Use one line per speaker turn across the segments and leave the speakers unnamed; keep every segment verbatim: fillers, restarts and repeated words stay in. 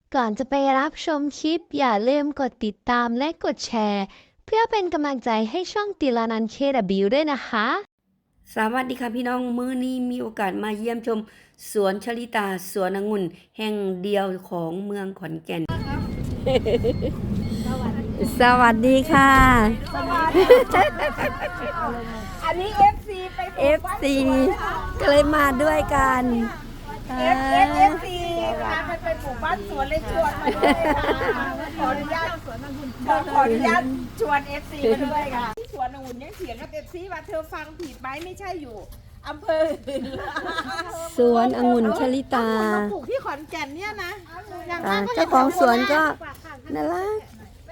ก่อนจะไปรับชมคลิปอย่าลืมกดติดตามและกดแชร์เพื่อเป็นกำลังใจให้ช่องติลานัน เค ดับเบิลยู ด้วยนะคะ
สวัสดีค่ะพี่น้องมื้อนี้มีโอกาสมาเยี่ยมชมสวนชลิตาสวนองุ่นแห่งเดียวของเมืองขอนแก่น สวัสดีค่ะ
อันนี้ เอฟ ซี ไป
เอฟ ซี ก็เลยมาด้วยกัน
เอฟ เอฟ เอฟ ซี พาไปไปปลูกบ้านสวนเลยชวนมาด้วยค่ะขออนุญาตขออนุญาตชวน เอฟ ซี มาด้วยค่ะที่สวนองุ่นยังเถียงกับ เอฟ ซี ว่าเธอฟังผิดไหมไม่ใช่อยู่อำเภอ
สวนองุ่นชลิตา
ปลูกที่ขอนแก่นเนี่ยนะ
อ่าเจ้าของสวนก็น่ารัก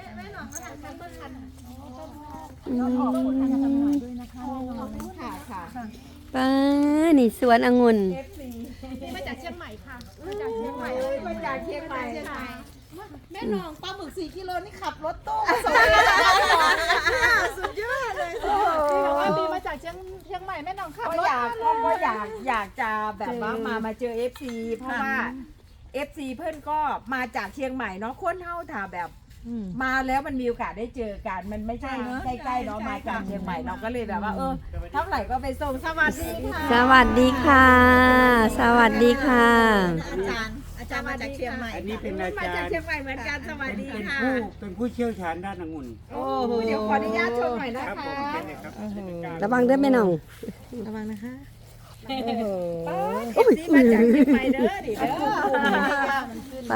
อืม
ค่ะค่ะ
ป้านี่สวนองุ่น
เอฟ ซี มาจากเชียงใหม่ค่ะมาจากเชียงใหม่เลยมาจากเชียงใหม่ค่ะแม่น้องปลาหมึกสี่กิโลนี่ขับรถตู้มาส่งเลยสุดยอดเลยที่บอกว่ามีมาจากเชียงเชียงใหม่แม่น้องขับรถอยากก็อยากอยากจะแบบว่ามามาเจอ เอฟ ซี เพราะว่า เอฟ ซี เพื่อนก็มาจากเชียงใหม่เนาะคนเฮาถ่าแบบมาแล้วมันมีโอกาสได้เจอกันมันไม่ใช่ใกล้ๆเนาะมาจากเชียงใหม่เราก็เลยแบบว่าเออเท่าไหร่ก็ไปส่งสวัสดีค่ะ
สวัสดีค่ะ สวัสดีค่ะ
อาจารย์อาจารย์มาจากเชียงใหม่
อันนี้เป็นอา
มา
จาร
จาก
ย์
เชียงใหม่เหมือนกันสวัสดี
เป็น
ค่ะ
ผู้เป็นผู้เชี่ยวชาญด้านองุ่น
โอ้โหเดี๋ยวขออนุญาตชมหน่อยนะ
ครับ
คะ
ผมเป็นเลยครับ
ระวังด้วยแม่น้อง
ระวังนะคะ
โอ้โห
เอฟซีมาจากเชียงใหม่เด้อดิเด้อ
ไป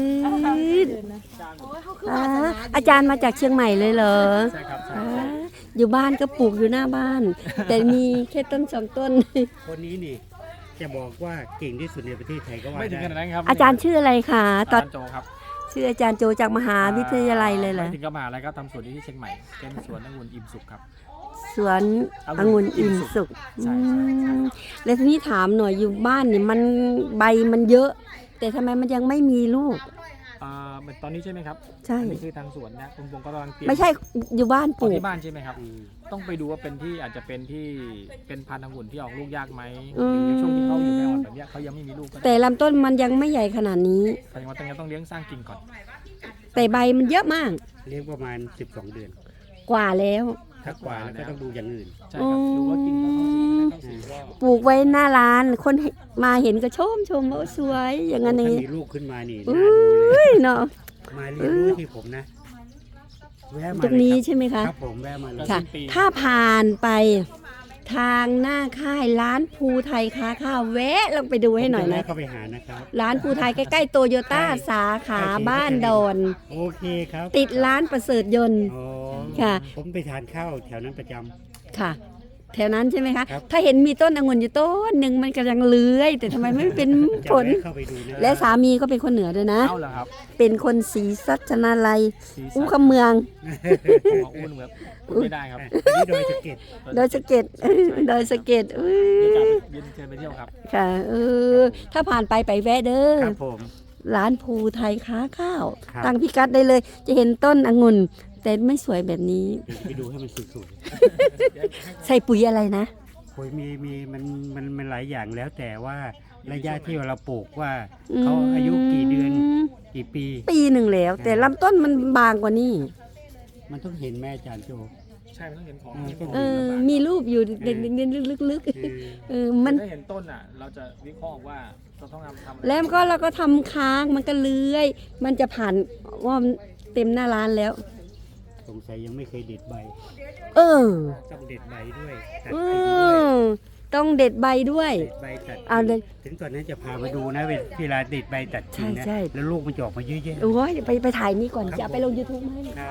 อ่าอาจารย์มาจากเชียงใหม่เลยเหรอ
ใช่ครับ
อ่าอยู่บ้านก็ปลูกอยู่หน้าบ้าน แต่มีแค่ต้นสองต้น
คนนี้นี่จะบอกว่าเก่งที่สุดในประเทศไทยก็ว่า
ไม่ถึงขนาด
ได้
นั้นครับ
อาจารย์ชื่ออะไรคะตอน
อาจารย์โจครับ
ชื่ออาจารย์โจจากมหาวิทยาลัยเลยเหรอ
ไม่ถึงกับมหาลัยครับทำสวนที่เชียงใหม่เป็นสวนองุ่นอิ่มสุขครับ
สวนองุ่นอิ่มสุข
ใช่
อื
ใช่ใช่
มแล้วทีนี้ถามหน่อยอยู่บ้านเนี่ยมันใบมันเยอะ แต่ทำไมมันยังไม่มีลูก
อ่าเหมือนตอนนี้ใช่ไหมครับ
ใช่
อันนี้คือทางสวนนะคุณพงศ์ก็กำลังเตรียม
ไม่ใช่อยู่บ้านป
เอา
ลูก
ที่บ้านใช่ไหมครับ ต้องไปดูว่าเป็นที่อาจจะเป็นที่เป็นพันธุ์องุ่นที่ออกลูกยากไหม
อืม
หรือในช่วงที่เขาอยู่แม่อ่อนแบบเนี้ยเขายังไม่มีลูกก็
แต่
ได้
ลำต้นมันยังไม่ใหญ่ขนาดนี้
แสดงว่าต้องต้องเลี้ยงสร้างกิ่งก่อน
แต่ใบมันเยอะมาก
เลี้ยงประมาณสิบสองเดือน
กว่าแล้ว
ถ้ากว่าแล้วก็ต้องดูอย่างอื่น
ใช่ครับดูว่ากิ่งเขาเข้าสีไม่เข้าสีก็
ปลูกไว้หน้าร้านคนมาเห็นก็ชมชมว่าสวยอย่างนั้นอย่าง
ถ้า
นี้
มีลูกขึ้นมานี่
อุ้
น่าดูเลย
ยเนาะ
มาเรียนรู้ที่ผมนะแวะมา
ตรงนี้
เลย
ใช่ไหม
ค
คะ
รับครับผมแวะมาเลย
ค่ะ ถ้าผ่านไปทางหน้าค่ายร้านภูไทยค้าข้าวแวะลงไปดูให้หน่อย
ผมจ
นะ
แวเข้าไปหานะครับ
ร้านภูไทยใกล้ๆโตโยต้าสาขาบ้านดอน
โอเคครับ
ติดร้านประเสริฐยนต์
อ๋อ
ค่ะ
ผมไปทานข้าวแถวนั้นประจำ
ค่ะ แถวนั้นใช่ไหมคะ
ครับ
ถ้าเห็นมีต้นองุ่นอยู่ต้นหนึ่งมันกำลังเลื้อย แต่ทำไมไม่เป็นผล
จะแวะเข้าไปดูนะ
และสามีก็เป็นคนเหนือด้วยนะ
เอาเหรอครับ
เป็นคนศรีสัชนาลัย
สีสั
อู้
น
คำเมือง
ของอุ้นแบบพูดไม่ได้ครับ
อันนี้โดยสะเก็ด
โดยสะเก็ด โดยสะเก็ดอุ้
เดี๋ยวจะ
ย
ไปเย็นเชิญไปเที่ยวครับ
ค่ะเออถ้าผ่านไปไปแวะเด้อ
ครับผม
ร้านภูไทยค้าข้าว
ครับ
ตั้งพิกัดได้เลย จะเห็นต้นองุ่น แต่ไม่สวยแบบนี้
เดี๋ยวไปดูให้มันสวย
ใส่ปุ๋ยอะไรนะ
ๆโอ้ยมีมีมันมันมันหลายอย่างแล้วแต่ว่าระยะที่เราปลูกว่า
อืม
เขาอายุกี่เดือนกี่ปี
ปีหนึ่งแล้ว แต่ลำต้นมันบางกว่านี้
มันต้องเห็นแม่อาจารย์โจ
ใช่มันต้องเห็นของ
เออ มีรูปอยู่เด็กๆลึก
คือ
ๆเออมัน
ถ้าเห็นต้นอ่ะ เราจะวิเคราะห์ว่าเราต้องทำทำอะไร
แล้วก็เราก็ทำค้างมันก็เลื้อย มันจะผ่านว่ามันเต็มหน้าร้านแล้ว
สงสัยยังไม่เคยเด็ดใบ
เออ
ต้องเด็ดใบด้วยตัด
เอ
กิ่งด้วย
อต้องเด็ดใบด้วย
เด็ดใบตัด
เอาเลย
ถึงตอนนั้นจะพามาดูนะเวลาเด็ดใบตัดกิ่งนะ
ใช่ใช่
แล้วลูกมันจะออกมาเยอะแยะ
โอ้ยไปไปถ่ายนี่ก่อนจะเอาไปลง YouTube ไหม
ครับ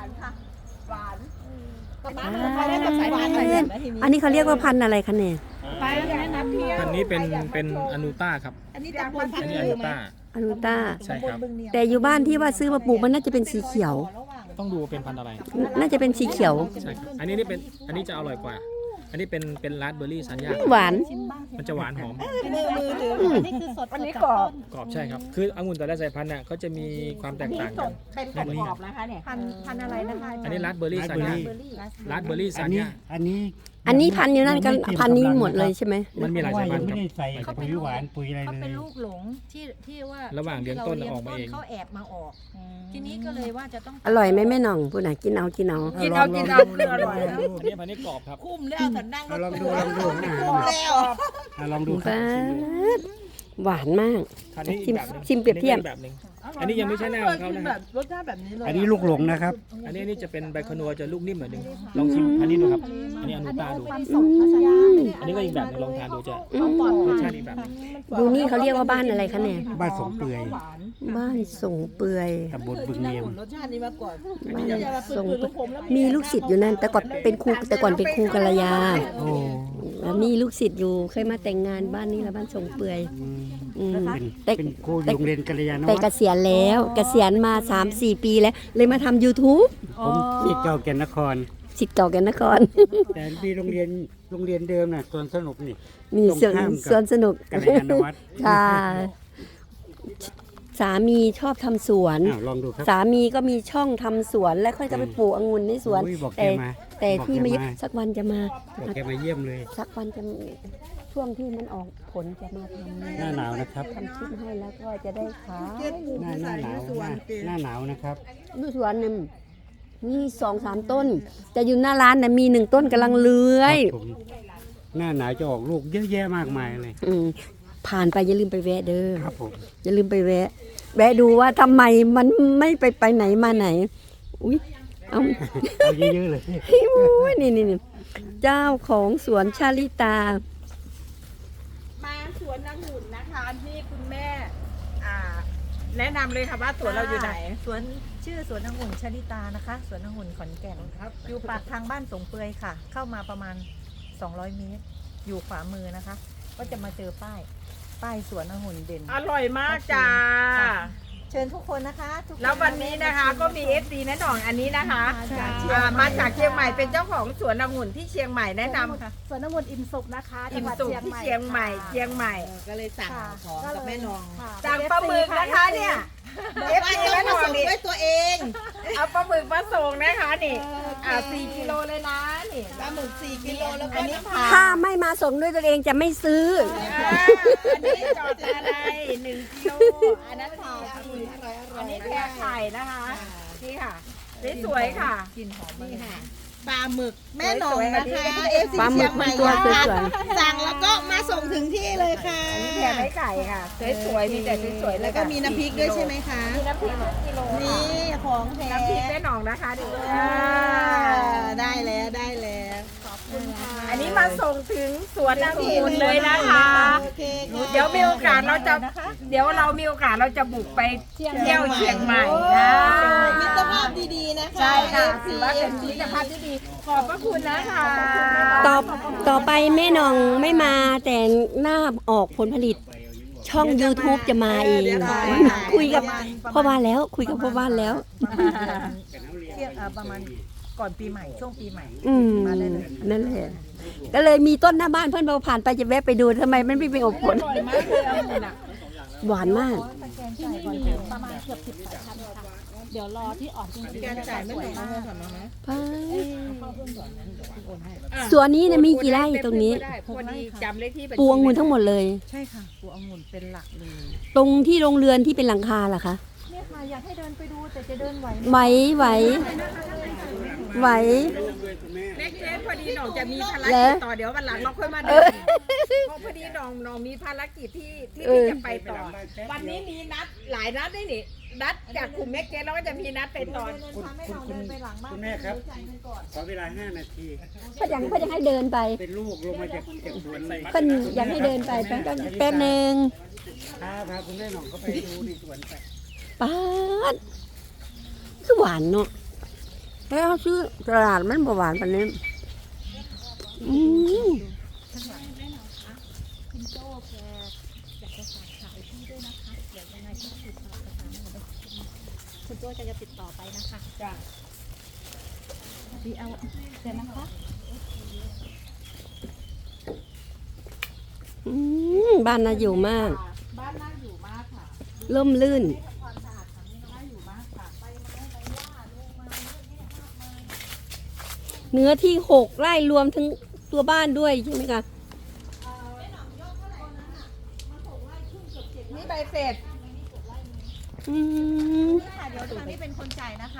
อันนี้เขาเรียกว่าพันธุ์อะไรคะเนี่ย
ไปแล้วนะเที่ยว
อันนี้เป็นเป็นอนูต้าครับ
อันนี้ตำบลพั
อั
น
น
ธุ์
นี้อ
ลื
นู
อ
ต้า
อนุต้า
ใช่ครับ
แต่อยู่บ้านที่ว่าซื้อมาปลูกมันน่าจะเป็นสีเขียว
ต้องดูว่าเป็นพันธุ์อะไร
น่าจะเป็นสีเขียว
ใช่ครับ อันนี้นี่เป็น อันนี้จะอร่อยกว่า อันนี้เป็นเป็นราสเบอร์รี่สัญญา
หวาน
มันจะหวานหอม
มือมือถืออันนี้คือสดอันนี้กรอบ
กรอบใช่ครับ คือองุ่นแต่ละสายพันธุ์น่ะเขาจะมีความแตกต่างกัน
เป็นกรอบๆนะคะเนี่ยพันพันอะไรนะคะ
อันนี้ราสเบอร์รี่
ราส
สัญ
เบอร์
ญา
รี่
ราสเบอร์รี่
อั
สั
น
ญ
นี้
ญา
อันนี้
อันนี้พันธุ์อยู่นั่นกัน
ยังไม่เต็ม
พันธุ์นี้
กำลัง
หมดเลย
นะครับ
ใช่ไหม
มันมีหลาย
เพระ
สาย
ว่
พันธุ์
ง
ครับ
ไม่ได้ใส่ปุ๋ยหวานปุ๋ยอะไร
เขา
เล
เป็น
ย
ลูกหลงที่ที่ว่า
ระหว่างเลี้ยงต้น
ที่
ออกมาเอง
เขาแอบมาออก ทีนี้ก็เลยว่าจะต้อง
อร่อยไหมแม่หน่องพูดหน่ะกินเอากินเอา
กินเอากินเอา
ลง
เนื้ออร่อย
ลงดู
อันนี้พันธุ์นี้กรอบครับ
คุ้มแล้วแต่นั่ง
เอาลองดูลองดูอ่ะ
คุ้มแล้ว
อ่ะลองดูครับ
ป๊าดหวานมาก
คันนี้อีกแบบหนึง
ชิมเปรียบเทียบ
อันนี้ก็อีกแบบหนึงอันนี้ยังไม่ใช่หน้าของเขานะ
แบ
ครับ
บรสชาติแบบนี้เลย
อันนี้ลูกหลงนะครับ
อันนี้อันนี้จะเป็นใบคนัวจะลูกนิ่มเหมือนหนึ่งลองชิมอันนี้ดูครับ อันนี้อนุตาดู
อืม
อันนี้ก็อีกแบบหนึงลองทานดูจะ
อืม
รสชาติอีกแบบหนึง
ดูนี่เขาเรียกว่าบ้านอะไรคะเนี่ย
บ้านสงเปื่อย
บ้านส่งเปื่อย
ตำบลบึงเนียม
รสชาตินี้มาก่อน
บ้านส่งเปื่อยมีลูกศิษย์อยู่นั่น แต่ก่อนเป็นครูแต่ก่อนเป็นครูกัลยา
โอ้
แล้วมีลูกศิษย์อยู่เคยมาแต่งงานบ้านนี้แล้วบ้านส่งเปื่อย
อืม
อืม
เป็น
แต่
เป็นครูอยู่โรงเรียนกัลยาณ
แต่
วั
เก
ฒน์
ษียณแล้วเกษียณมา สามสี่ ปีแล้ว เลยมาทำ YouTube
ผมที่เก่าแก่นนคร
ศิษย์เก่าแกันนคร
แต่มีโรงเรียนโรงเรียนเดิมน่ะสวนสนุกนี่
มี
ตรง
สวน
ข้ามกับ
สวนสนุก
กัลยาณวัฒน์
ค่ะ สามีชอบทำสวน
อ้าวลองดูครับ
สามีก็มีช่องทำสวน แล้วค่อยก็ไปปลูกองุ่นในสวน
โอ้ยบอกแก
แต่
มา
แต่
บอก
ที่
แก
มา
มา
สักวันจะมา
บอกแกมาเยี่ยมเลย
สักวันจะช่วงที่มันออกผลจะมาทำ
หน้าหนาวนะครับ
ทำคลิปให้แล้วก็จะได้ขาย
หน้าหน้าหนาวหน้าหน้าหนาวนะครับ
ดูสวนหนึ่งมีสองสามต้น แต่อยู่หน้าร้านน่ะมีหนึ่งต้นกำลังเลื้อย
ครับผมหน้าหนาวจะออกลูกเยอะแยะมากมายเลย
อืมผ่านไปอย่าลืมไปแวะเด้อ
ครับผม
อย่าลืมไปแวะ แวะดูว่าทำไมมันไม่ไปไปไหนมาไหน อุ้ยเอา
เอาเยอะๆเลย
อุ้ยนี่นี่นี่เจ้าของสวนชาลิตา
มาสวนนางหุ่นนะคะที่คุณแม่อ่าแนะนำเลยค่ะว่าสวนเราอยู่ไหน
สวนชื่อสวนองุ่นชลิตานะคะสวนองุ่นขอนแก่นอยู่ปากทางบ้านสงเปือยค่ะ เข้ามาประมาณสองร้อยเมตร อยู่ขวามือนะคะ ก็จะมาเจอป้าย ป้ายสวนองุ่นเด่น
อร่อยมากจ้า
เชิญทุกคนนะคะทุกค
แล้ววันนี้นะคะก็มี เอฟ ซี แนะนำอันนี้นะคะอ่ามาจากเชียงใหม่เป็นเจ้าของสวนองุ่นที่เชียงใหม่แนะนำ
สวนองุ่นอิ่มสุขนะคะ
อิ่มสุขที่เชียงใหม่เชียงใหม่
ก็เลยสั่งของกับแม่นอง
สั่งปลาหมึกนะคะเนี่ยเอฟซีแม่นองนี่
ด้วยตัวเอง
เอาปลาหมึกมาส่งนะคะนี่อ่าสี่กิโลเลยนะนี่
ปลาหมึกสี่กิโลแล้วก็
อันนี้ผ่า
ถ้าไม่มาส่งด้วยตัวเองจะไม่ซื้อ
อ่าอันนี้จอดอะไรหนึ่งกิโลอันนั้นผ่าสี่อันนี้แพรไข่นะคะนี่ค่ะสวยๆค่ะ
นี่ค่ะปลาหมึกแม่นองนะคะเอฟซี
ปลาหมึ
เชีย
ก
งให
มั
ม่
นตัวส
นะคะ
วย
สั่งแล้วก็มาส่งถึงที่เลยค่ะ
อันนี้แพรไม้ไก่ค่ะสวยๆมีแต่สวยๆ
แล้วก็มีน้ำพริกด้วยใช่ไหมคะ
มีน้ำพริกกิโล
นี่ของแท้
น้ำพริกแม่หนองนะคะดิ
อ่าได้แล้วได้แล้ว
อันนี้มาส่งถึงสวนองุ่นเลยนะคะ
โอเคค่ะ
เดี๋ยวมีโอกาสเราจะเดี๋ยวเรามีโอกาสเราจะบุกไปเที่ยวเชียงใหม่นะ
มิตรภาพดีๆนะคะ
ใช่ค่ะ
เอฟ
ถื
ซี
อว่าเป็นมิตรภาพที่ดีขอบพระคุณนะคะ
ๆ ต่อต่อไปแม่น้องไม่มาแต่หน้าออกผลผลิต ช่อง YouTube จะมาเอง คุยกับพ่อบ้านแล้ว คุยกับพ่อบ้านแล้ว
เที่ยงเอ่อประมาณก่อนปีใหม่ช่วงปีใหม่
อืมนั่นแหละก็เลยมีต้นหน้าบ้านเพื่อนเราผ่านไปจะแวะไปดูทำไมมันไม่เป็นอบผล
อร่อยมากเลยองุ่นอ่ะ
หวานมาก
ที่นี่มีประมาณเกือบสิบสายพันธุ์ค่ะ เดี๋ยวรอที่ออกจริงๆ
การจ่ายไม่
ส
ห
วย
น
มาก
สวนนี้เนี่ยมีกี่ไร่ตรงนี้
พอดีจำเลขที่
ปลูกองุ่นทั้งหมดเลย
ใช่ค่ะปลูกองุ่นเป็นหลักเลย
ตรงที่โรงเรือนที่เป็นหลังคาล่ะคะ
เนี่ยค่ะอยากให้เดินไปดูแต่จะเดินไหว
ไหวไหวไหว
เล็กเล็กพอดีหน้องจะมีภาร
แล้
กิ
ว
จต่อเดี๋ยววันหลังเราค่อยมา
เอ
เดิ
อ
นเพราะพอดีหน้องหน้องมีภารกิจที่ที่
เออ
จะไปต่อ วันนี้มีนัดหลายนัดด้วยนี่นัดจากกลุ่มแม็กเกนแล้วก็จะมีนัดไปต่อ
คุณคุณคุณคุณแม่ครับ ขอเวลาห้านาที
เพ่อยังเพ่อยังให้เดินไป
เป็นลูกลงมาจากจากสวนเลย
เพ่นอยากให้เดินไปแป๊บแป๊บแป๊บหนึ่ง
พาพาคุณแม่หน่องเขาไปดูในสวนไป
ป๊าดคือหวานเนาะแล้วซื้อตลาดมันบ่หวานปานนี้อืม
คุณตัวจะติดต่อไปนะคะจ้ะดีเอาเดี๋ยวนะคะ
อืมบ้านน่าอยู่มาก
บ้านน่าอยู่มากค่ะ
ร่มรื่น เนื้อที่หกไร่รวมทั้งตัวบ้านด้วยใช่ไหมคะ
นี่ใบเสร็จ
อืม
ค่ะเดี๋ยวทางนี้เป็นคนจ่ายนะคะ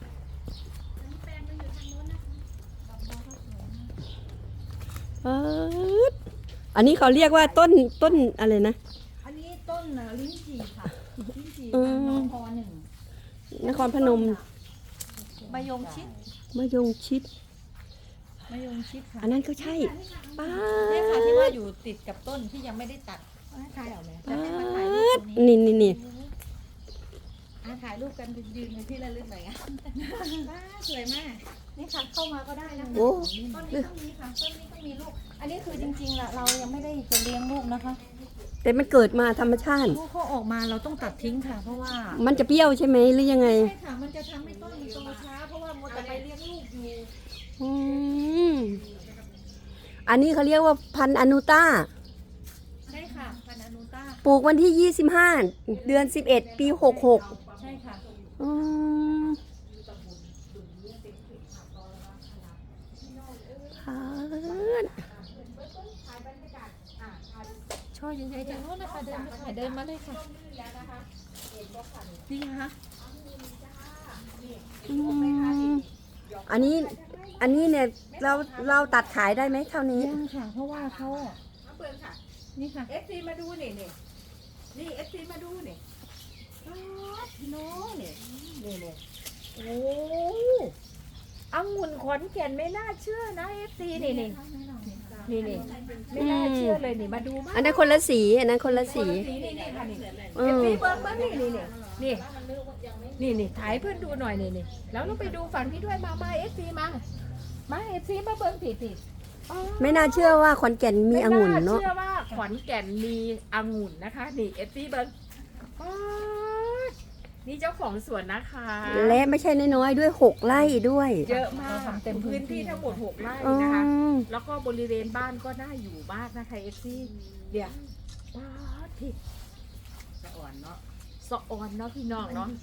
เอิ้นอันนี้เขาเรียกว่าต้นต้นอะไรนะ
อันนี้ต้นลิ้นจี่ค่ะลิ้นจี่
อืม
นครหนึ่ง
นครพนม
มายงชิด
มะยงชิด
มายงชิดค่ะ
อันนั้นก็ใช่ป้า
เนี่ยค่ะ
ด
ที่ว่าอยู่ติดกับต้นที่ยังไม่ได้ตัดถ่ายเอาไหมจะให้มาถ่ายรูปตรงนี้
นี่นี่นี่
อ่ะถ่ายรูปกันยืนในที่ระลึกหน่อยอ่ะว้าสวยมาก
นี่ค่ะเข้ามาก็ได้นะ
โอ้
ต้นนี้ต้องมีค่ะต้นนี้ต้องมีลูก อันนี้คือจริงๆล่ะเรายังไม่ได้จะเลี้ยงลูกนะคะ
แต่มันเกิดมาธรรมชาติ
ลูกเขาออกมาเราต้องตัดทิ้งค่ะ เพราะว่า
มันจะเปรี้ยวใช่ไหมหรือยังไง
ใช่ค่ะมันจะทำให้ต้นมันโตช้าเพราะว่ามัวแต่ไปเลี้ยงลูกอยู่
อืมอันนี้เขาเรียกว่าพันธุ์อนุต้า
ใช่ค่ะพันธุ์อนุต้า
ปลูกวันที่ยี่สิบห้าเดือนสิบเอ็ดปีหกหก
ใช่ค่ะ
อืมพันธุ์
ช่อใหญ่ๆจากโน้นนะคะเดินมาค่ะเดินมาเลยค่ะนี่ค่ะ
อืมอันนี้ อันนี้เนี่ยเราเราตัดขายได้ไหมเท่านี้
ยังค่ะ เพราะว่าเขาอ่ะ
มาเปิดค่ะ
นี่ค่ะ
เอฟซีมาดูนี่นี่นี่เอฟซีมาดูนี่อ๋อพี่น้องนี่นี่นี่โอ้องุ่นขอนแก่นไม่น่าเชื่อนะเอฟซีนี่นี่นี่นี่ไม่น่าเชื่อเลยนี่มาดูมา
อันนั้นคนละสี อันนั้นคนละสี
สีนี่นี่ค่ะนี่
เอ
เอฟ
อ
ซีเบิ้งเบิ้งนี่นี่นี่นี่นี่นี่ถ่ายเพื่อนดูหน่อยนี่นี่แล้วเราไปดูฝั่งนี้ด้วยมามาเอฟซีมามาเอฟซีมาเบิ้งผิดผิดอ๋อ
ไม่น่าเชื่อว่าขอนแก่นมีองุ่นเนาะ
ไม่เชื่อว่าขอนแก่นมีองุ่นนะคะ นี่เอฟซีเบิ้งอ๋อนี่เจ้าของสวนนะคะ
และไม่ใช่น้อยๆด้วยหกไร่ด้วย
เยอะมาก
เราทำเต็มพื้
พื้
น
น
ที่
ที่ทั้งหมดหกไร่
อื
นะคะ
ม
แล้วก็บริเวณบ้านก็น่าอยู่มากนะคะเอฟซีเดี๋ยวว้าวทิศสะอ่อนเนาะสะอ่อนเนาะพี่น้องเนาะ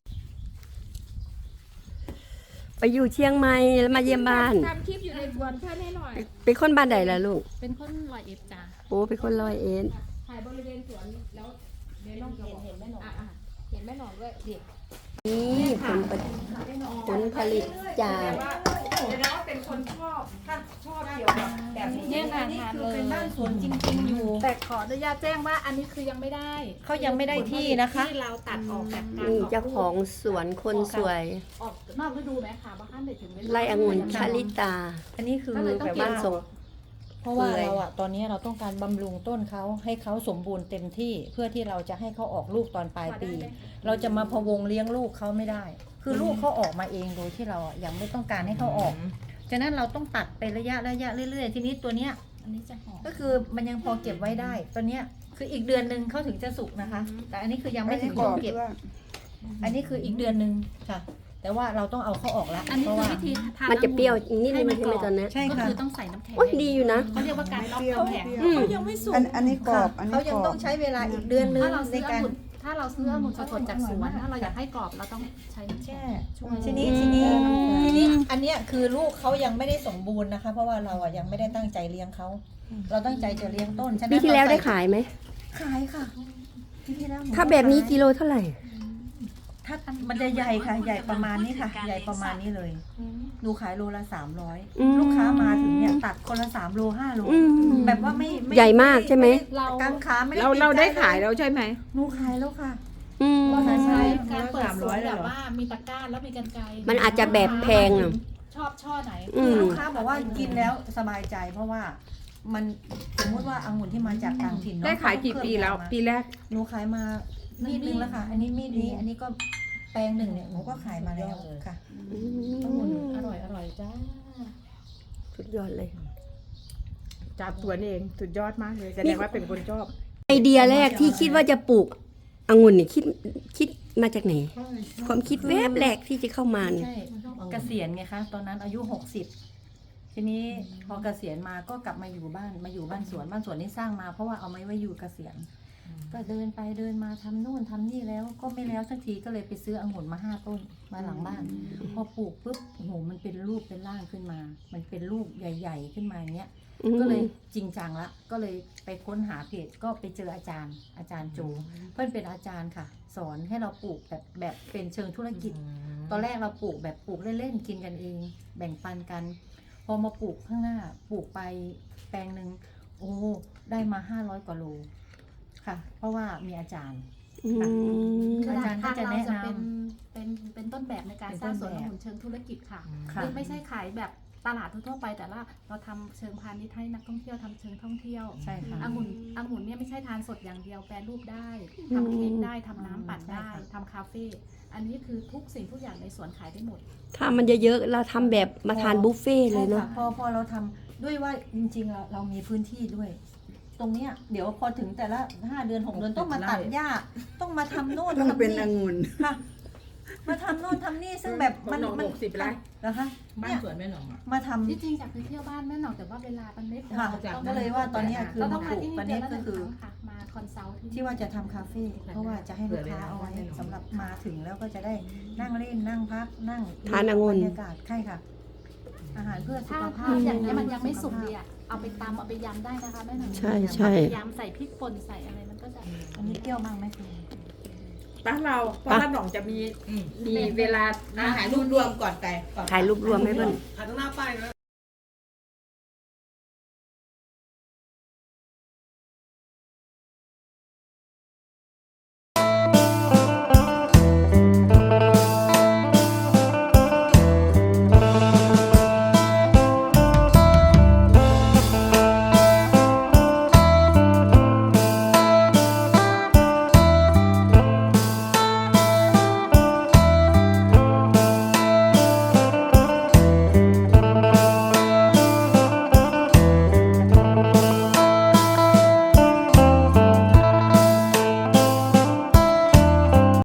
ไปอยู่เชียงใหม่แล้วมาเยี่ยมบ้าน
ทำคลิปอยู่ในสวนเพื่อนให้หน่อย
เป็นคนบ้านใดล่ะลูก
เป็นคนร้อยเอ็ดจ้า
โอ้เป็นคนร้อยเอ็ด
ถ่ายบริเวณสวนแล้วเดี๋ยวน้องจะบอกเห็นแม่หนอนเห็นแม่หนอนด้วยเด็ก
นี่ผลผลิตผลผลิตจาก
ว่าเดี๋ยวนะว่าเป็นคนชอบถ้าชอบเกี่ยวกับแบบนี้
เนี่ยค่ะ
นี่
ทาน
คือ
เลย
เป็นบ้านสวนจริงๆอยู่
แต่ขออนุญาตแจ้งว่าอันนี้คือยังไม่ได้
เขายังไม่ได้ที่นะคะ
ที่เราตัดออกจากการ
นี่เจ้าของสวนคนสวย
ออกนอกฤดูไหมคะบางท่านเด็ดถึงเวลา
ไร่องุ่นชาลิตา
อันนี้คือ
ก็เลยต้อง
แบบ
เก็บ
ว่า
บ้านทรง
เพราะว่า
เปื่อย
เราอะตอนนี้เราต้องการบำรุงต้นเขาให้เขาสมบูรณ์เต็มที่เพื่อที่เราจะให้เขาออกลูกตอนปลายปี เราจะมาพะวงเลี้ยงลูกเขาไม่ได้ คือลูกเขาออกมาเองโดยที่เราอะยังไม่ต้องการให้เขาออกฉะนั้นเราต้องตัดไประยะระยะเรื่อยๆทีนี้ตัวเนี้ย
อันนี้จะหอม
ก็คือมันยังพอเก็บไว้ได้ตัวเนี้ยคืออีกเดือนหนึ่งเขาถึงจะสุกนะคะ แต่อันนี้คือยังไม่ถึงช่วงเก็บ อันนี้คืออีกเดือนหนึ่งค่ะ แต่ว่าเราต้องเอาเขาออกแล้ว
อันนี้
เพราะ
คือ
ว่า
วิธีทาน
มันจะเปรี้ยว
องุ่
นิดนึง
ให้
ใช่ไหมตอนนี้
ใช่
ก็
ค่ะ
คือต้องใส่น้ำแข็ง
โอ้ยดีอยู่นะ
เขาเรียกว่าการล็อกน้ำแข็ง
อืม
ยังไม่สุก
อันอันนี้กรอบอันนี้
เขายัง
กรอบ
ต้องใช้เวลาอีกเดือนนึง
ถ้าเรา
ใน
ซื้อ
การ
องุ่นถ้าเราซื้อองุ่นสดๆจากสวนถ้าเราอยากให้กรอบเราต้องใช้น้ำแข็
แช่
ง
ทีนี้ทีนี้ทีนี้อันเนี้ยคือลูกเขายังไม่ได้สมบูรณ์นะคะ เพราะว่าเราอ่ะยังไม่ได้ตั้งใจเลี้ยงเขาเราตั้งใจจะเลี้ยงต้นฉะนั้น
ปีที่แล้วได้
เรใส่
ขายไหม
ขายค่ะปีที่แล้วหนู
ถ้าแบบนี้
ขย
กิโลเท่าไหร่
ถ้ามันจะใหญ่ค่ะ ใหญ่ประมาณนี้ค่ะ ใหญ่ประมาณนี้เลยหนูขายโลละสามร้อย
อืม
ลูกค้ามาถึงเนี่ยตัดคนละสามโลห้าโล
อืม
แบบว่าไม่ไ
ใหญ่มากใช่ไหม
เรากางขาไม่ได้
เราเราได้ขาย
ติใจ
แล้วใช่ไหม
หนูขายแล้วค่ะ
อืม
เราจะใช้
อืม
การเปิดสวน
สามร้อยเลย
แบ
เหรอ
บว่ามีตะกร้าแล้วมีกันไกร
มันอาจจะแบบแพงอะ
ชอบช่อไหน
อืม
ลูกค้าบอกว่ากินแล้วสบายใจ เพราะว่ามันสมมติว่าองุ่นที่มาจากต่างถิ่นเนอะ
ได้ขายกี่ปีแล้ว ปีแรก
หนูขายมามีดนึงแล้วค่ะ อันนี้มีดนี้ อันนี้ก็แปลงหนึ่งเนี่ยหนูก็ขายมาแล้วค่ะ
อืม
องุ่นอร่อยอร่อยจ้า
สุดยอดเลย
จากสวนเองสุดยอดมากเลยแสดงว่าเป็นคนชอบ
ไอเดียแรกที่คิดว่าจะปลูกองุ่นนี่คิดคิดมาจากไหน ความคิดแวบแรกที่จะเข้ามาเนี่ย
ใช่เกษียณไงคะตอนนั้นอายุหกสิบทีนี้พอเกษียณมาก็กลับมาอยู่บ้านมาอยู่บ้านสวนบ้านสวนนี่สร้างมาเพราะว่าเอาไว้ไว้อยู่เกษียณก็เดินไปเดินมาทำนู่นทำนี่แล้วก็ไม่แล้วสักทีก็เลยไปซื้อองุ่นมาห้าต้นมาหลังบ้าน พอปลูกปุ๊บโอ้โหมันเป็นรูปเป็นร่างขึ้นมา มันเป็นลูกใหญ่ ๆ ขึ้นมาอย่างเงี้ย ก็เลยจริงจังละก็เลยไปค้นหาเพจก็ไปเจออาจารย์ อาจารย์โจเพื่อนเป็นอาจารย์ค่ะ สอนให้เราปลูกแบบแบบเป็นเชิงธุรกิจ ตอนแรกเราปลูกแบบปลูกเล่นๆกินกันเอง แบ่งปันกัน พอมาปลูกข้างหน้าปลูกไปแปลงหนึ่งโอ้ได้มาห้าร้อยกว่าโลค่ะ เพราะว่ามีอาจารย์
อืม
คือ
อาจารย์ก็
ทาง
จะ
เรา
แนะ
จะ
น
เป็นเป็นเป็นต้นแบบในการ
เป็น
สร้าง
ต้
สวน
นแบบ
องุ่นเชิงธุรกิจค่ะ
ำค่ะ
ไม่ไม่ใช่ขายแบบตลาดทั่วๆไปแต่ละเราทำเชิงพาณิชย์ให้นักท่องเที่ยวทำเชิงท่องเที่ยว
ใช่ค่ะ
องุ่นองุ่นเนี่ยไม่ใช่ทานสดอย่างเดียวแปรรูปได้ทำเค้กได้ทำน้ำปั่นได้
ใช่ค่ะ
ทำคาเฟ่อันนี้คือทุกสิ่งทุกอย่างในสวนขายได้หมด
ถ้ามันเยอะๆเราทำแบบมาทานบุฟเฟ่ต์เลยเนาะ
ใช่ค่พอพอเราทำด้วยว่าจริงๆเราเรามีพื้นที่ด้วย ตรงเนี้ยเดี๋ยวพอถึงแต่ละห้าเดือนหกเดือนต้องมาตัดหญ้าต้องมาทำโน่น
ต้อง
ทำ
เป็น
นี่
องุ่น
ค่ะ มาทำโน่นทำนี่ซึ่งแบบมันมัน
หกสิบไร่
นะคะ
บ้าน
เนี่ย
สวนแม่หนองอะ
มาทำ
ที่จริงอยากไปเที่ยวบ้านแม่หนองแต่ว่าเวลามันไม่พอ
ค่ะ
ต้อง
ก็เลยว่าตอนเนี้ยคือ
เราต้
มา
อง
ป
มา
ลูก
ที่นี่
ตอน
เดื
นี้
อนละห
ก็
นึ่ง
คือ
ครั้งค่ะมาคอนซัลท์ที่
ที่ว่าจะทำคาเฟ่เพราะว่าจะให้ลูกค้าเอาไว้สำหรับมาถึงแล้วก็จะได้นั่งเล่นนั่งพักนั่ง
ทานองุ่น
บรรยากาศใช่ค่ะ อาหารเพื่อสุ
ถ้า
ข
ถ้า
ภาพ
อย่างนี้ยมันยังไม่สุกดีอ่ะเอาไปตำเอาไปยำได้นะคะแม่หนอง
ใช่ใช่
เอาไปยำใส่พริกป่นใส่อะไรมันก็จะ
อันนี้เปรี้ยวมากไหมคุณ
บ้านเราเพราะบ้านหนองจะมีมีเวลาอาหารรวมๆก่อนแต่ก่อน
ถ่ายรูปรวมให้เพื่อน
ถ่ายตรงหน้าป้ายนะ